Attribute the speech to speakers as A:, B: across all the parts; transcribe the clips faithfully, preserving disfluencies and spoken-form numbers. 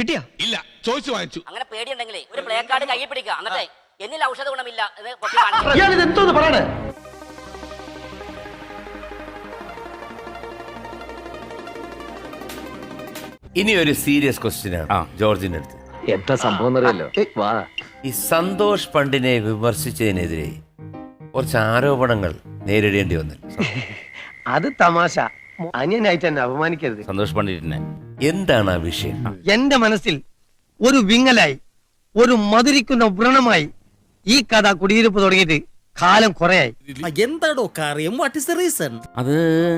A: കിട്ടിയാ?
B: ഇല്ല, ചോദിച്ചു വാങ്ങിച്ചു.
C: അങ്ങനെ പേടിയുണ്ടെങ്കിലേ ഒരു പ്ലേ കാർഡ് കയ്യിൽ പിടിക്കുക, എന്നിട്ടേ എന്നിൽ ഔഷധ ഗുണമില്ല എന്ന് പൊട്ടി
A: പറയണേ.
D: ഇനി ഒരു സീരിയസ് ക്വസ്റ്റ്യൻ ആണ് ജോർജിന്റെ അടുത്ത്.
E: എന്താ സംഭവം അറിയല്ലോ.
D: ഈ സന്തോഷ് പണ്ടിനെ വിമർശിച്ചതിനെതിരെ കുറച്ച് ആരോപണങ്ങൾ നേരിടേണ്ടി വന്നു.
A: അത് തമാശ. അന്യനായിട്ട് എന്നെ അപമാനിക്കരുത്.
D: സന്തോഷ് പണ്ഡിറ്റിനെ എന്താണ് ആ വിഷയം?
A: എന്റെ മനസ്സിൽ ഒരു വിങ്ങലായി, ഒരു മധുരിക്കുന്ന വ്രണമായി ഈ കഥ കുടിയിരിപ്പ് തുടങ്ങിയിട്ട് കാലം കുറയായി.
F: എന്താടോ കാര്യം? What is the reason?
D: അത്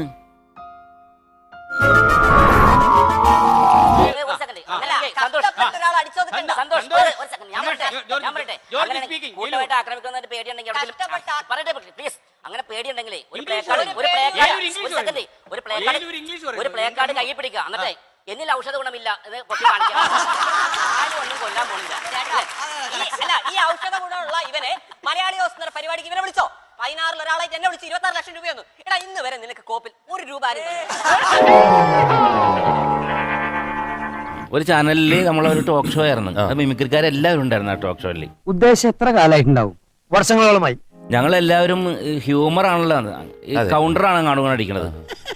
C: അങ്ങനെ പേടിയുണ്ടെങ്കിലേ ഒരു പ്ലേ കാർഡ് ഒരു പ്ലേ കാർഡ് ഒരു സെക്കൻഡ് ഒരു പ്ലേ കാർഡ് ഒരു പ്ലേ കാർഡ് കയ്യിൽ പിടിക്കുക, എന്നിട്ടേ എന്നിൽ ഔഷധ ഗുണമില്ല എന്ന് പൊട്ടി കാണിക്കുക. ആരും ഒന്നും കൊല്ലാൻ പോണില്ല.
G: അല്ല, ഈ ഔഷധ ഗുണമുള്ള ഇവനെ മലയാളി ഹൗസ് എന്ന പരിപാടിക്ക് ഇവനെ വിളിച്ചോ? പതിനാറിൽ ഒരാളായിട്ട് എന്നെ വിളിച്ച് ഇരുപത്തി ആറ് ലക്ഷം രൂപയൊന്നും എടാ ഇന്ന് വരെ നിനക്ക് കോപ്പിൽ ഒരു രൂപ
D: ഒരു ചാനലിൽ നമ്മളൊരു ടോക്ക് ഷോ ആയിരുന്നു. മിമിക്രിക്കാരെല്ലാവരും ഉണ്ടായിരുന്നു ആ ടോക്ക് ഷോയിൽ.
A: ഉദ്ദേശം എത്ര കാലമായിട്ടുണ്ടാവും? വർഷങ്ങളോളമായി.
D: ഞങ്ങളെല്ലാവരും ഹ്യൂമർ ആണല്ലോ, കൗണ്ടറാണ് കാണുക അടിക്കണത്.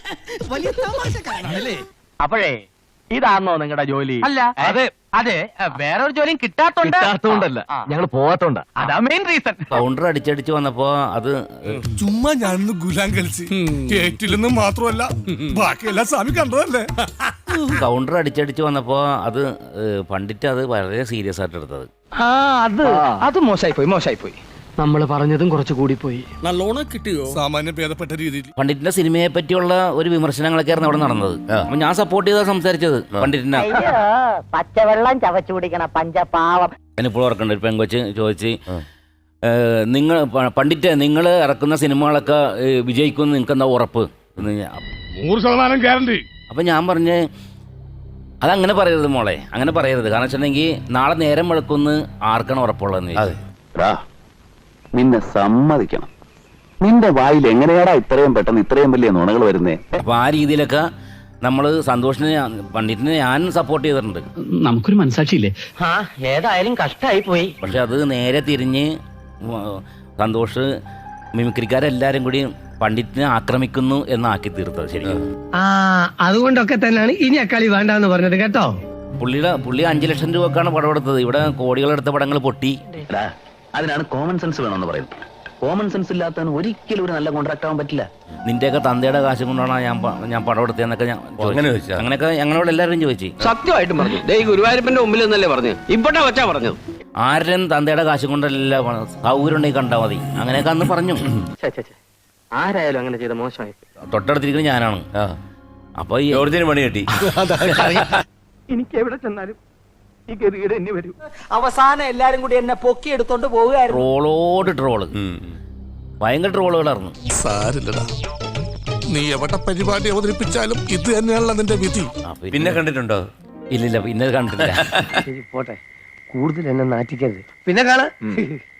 E: അപ്പോഴേ ഇതാണോ നിങ്ങളുടെ ജോലി?
A: അല്ല, അതെ അതെ വേറെ ഒരു ജോലിയും കിട്ടാത്തോണ്ടല്ല,
E: ഞങ്ങൾ പോവാത്തോണ്ടാ.
A: അതാ മെയിൻ റീസൺ.
D: കൗണ്ടർ അടിച്ചടിച്ച് വന്നപ്പോ അത്
B: ചുമ്മാ ഞാനൊന്ന് ഗുലാം കളിച്ച് കേട്ടില്ലെന്ന് മാത്രമല്ല ബാക്കിയെല്ലാം സ്വാമി കണ്ടതല്ലേ.
D: കൗണ്ടർ അടിച്ചടിച്ച് വന്നപ്പോ അത് പണ്ഡിറ്റ് അത് വളരെ സീരിയസ് ആയിട്ട് എടുത്തത്.
A: ആ അത് അത് മോശമായി പോയി, മോശമായി പോയി. നമ്മൾ പറഞ്ഞതും കുറച്ച് കൂടി പോയി.
F: നല്ലോണം കിട്ടിയോ?
B: സാമാന്യം ഭേദപ്പെട്ട രീതിയിൽ
D: പണ്ഡിറ്റിന്റെ സിനിമയെ പറ്റിയുള്ള ഒരു വിമർശനങ്ങളൊക്കെ ആയിരുന്നു അവിടെ നടന്നത്. അപ്പൊ ഞാൻ സപ്പോർട്ട് ചെയ്താ സംസാരിച്ചത് പണ്ഡിറ്റിനെ.
G: പച്ചവെള്ളം ചവച്ചു കുടിക്കണ പഞ്ചപാവം.
D: ഞാനിപ്പോൾ ഓർക്കണ്ട, ഒരു പെങ്കൊച്ച് ചോദിച്ച്, നിങ്ങൾ പണ്ഡിറ്റ് നിങ്ങൾ ഇറക്കുന്ന സിനിമകളൊക്കെ വിജയിക്കുമെന്ന് നിങ്ങൾക്ക് എന്താ ഉറപ്പ്?
B: നൂറ് ശതമാനം ഗ്യാരണ്ടി.
D: അപ്പൊ ഞാൻ പറഞ്ഞ് അതങ്ങനെ പറയരുത് മോളെ, അങ്ങനെ പറയരുത്. കാരണം വെച്ചിട്ടുണ്ടെങ്കിൽ നാളെ നേരം വെളുക്കുന്ന് ആർക്കാണ് ഉറപ്പുള്ളതെന്ന്.
E: നിന്നെ സമ്മതിക്കണം. നിന്റെ വായിൽ എങ്ങനെയാടാ ഇത്രയും പെട്ടെന്ന് ഇത്രയും വലിയ നുണകൾ വരുന്നേ?
D: അപ്പൊ ആ രീതിയിലൊക്കെ നമ്മള് സന്തോഷിനെ പണ്ഡിറ്റിനെ ഞാൻ സപ്പോർട്ട് ചെയ്തിട്ടുണ്ട്.
A: നമുക്കൊരു മനസാക്ഷിയില്ലേ? ആ ഏതായാലും കഷ്ടമായി പോയി.
D: പക്ഷെ അത് നേരെ തിരിഞ്ഞ് സന്തോഷ് മിമിക്രിക്കാരെല്ലാരും കൂടി പണ്ഡിറ്റിനെ ആക്രമിക്കുന്നു എന്നാക്കി തീർത്തത് ശരിക്കും.
A: ആ അതുകൊണ്ടൊക്കെ തന്നെയാണ് ഇനി അക്കളി വേണ്ടെന്ന് പറഞ്ഞത് കേട്ടോ.
D: പുള്ളിയുടെ പുള്ളി അഞ്ചു ലക്ഷം രൂപക്കാണ് പടം എടുത്തത്. ഇവിടെ കോടികളെടുത്ത പടങ്ങൾ പൊട്ടി.
E: അതിനാണ് കോമൺ സെൻസ് വേണമെന്ന് പറയുന്നത്. കോമൺ സെൻസ് ഇല്ലാത്തവന് ഒരിക്കലും ഒരു നല്ല കോൺട്രാക്ട് ആവാൻ പറ്റില്ല.
D: നിന്റെയൊക്കെ തന്തയുടെ കാശ് കൊണ്ടാണ് ഞാൻ ഞാൻ പടം എടുത്തതെന്നൊക്കെ ഞാൻ അങ്ങനെയൊക്കെ ഞങ്ങളോട് എല്ലാവരും ചോദിച്ചു.
E: സത്യമായിട്ടും പറഞ്ഞു. ഗുരുവായൂരപ്പന്റെ മുമ്പിൽ നിന്നല്ലേ പറഞ്ഞു, ഇവിടെ വെച്ചാ പറഞ്ഞത്.
D: ആരും തന്തയുടെ കാശ് കൊണ്ടല്ല, സൗകര്യം ഉണ്ടെങ്കിൽ കണ്ടാൽ മതി, അങ്ങനെയൊക്കെ അന്ന് പറഞ്ഞു.
E: ആരായാലും അങ്ങനെ ചെയ്ത മോശമായി.
D: തൊട്ടടുത്തിരിക്കുന്നത് ഞാനാണ്. അപ്പൊ ഈ ജോർജിന് പണി കിട്ടി.
A: എനിക്ക് എവിടെ ചെന്നാലും
F: അവസാനം എല്ലാരും കൂടി എന്നെ പൊക്കി എടുത്തോണ്ട് പോവുകയായിരുന്നു.
D: ട്രോളോട് ട്രോള്, ഭയങ്കര ട്രോളുകളായിരുന്നു.
B: സാരില്ലടാ, നീ എവിടെ പരിപാടി അവതരിപ്പിച്ചാലും ഇത് തന്നെയാണല്ലോ നിന്റെ വിധി.
D: പിന്നെ കണ്ടിട്ടുണ്ടോ? ഇല്ലില്ല, പിന്നെ കണ്ടിട്ടില്ല.
A: പോട്ടെ, കൂടുതൽ എന്നെ നാറ്റിക്കരുത്. പിന്നെ കാണാം.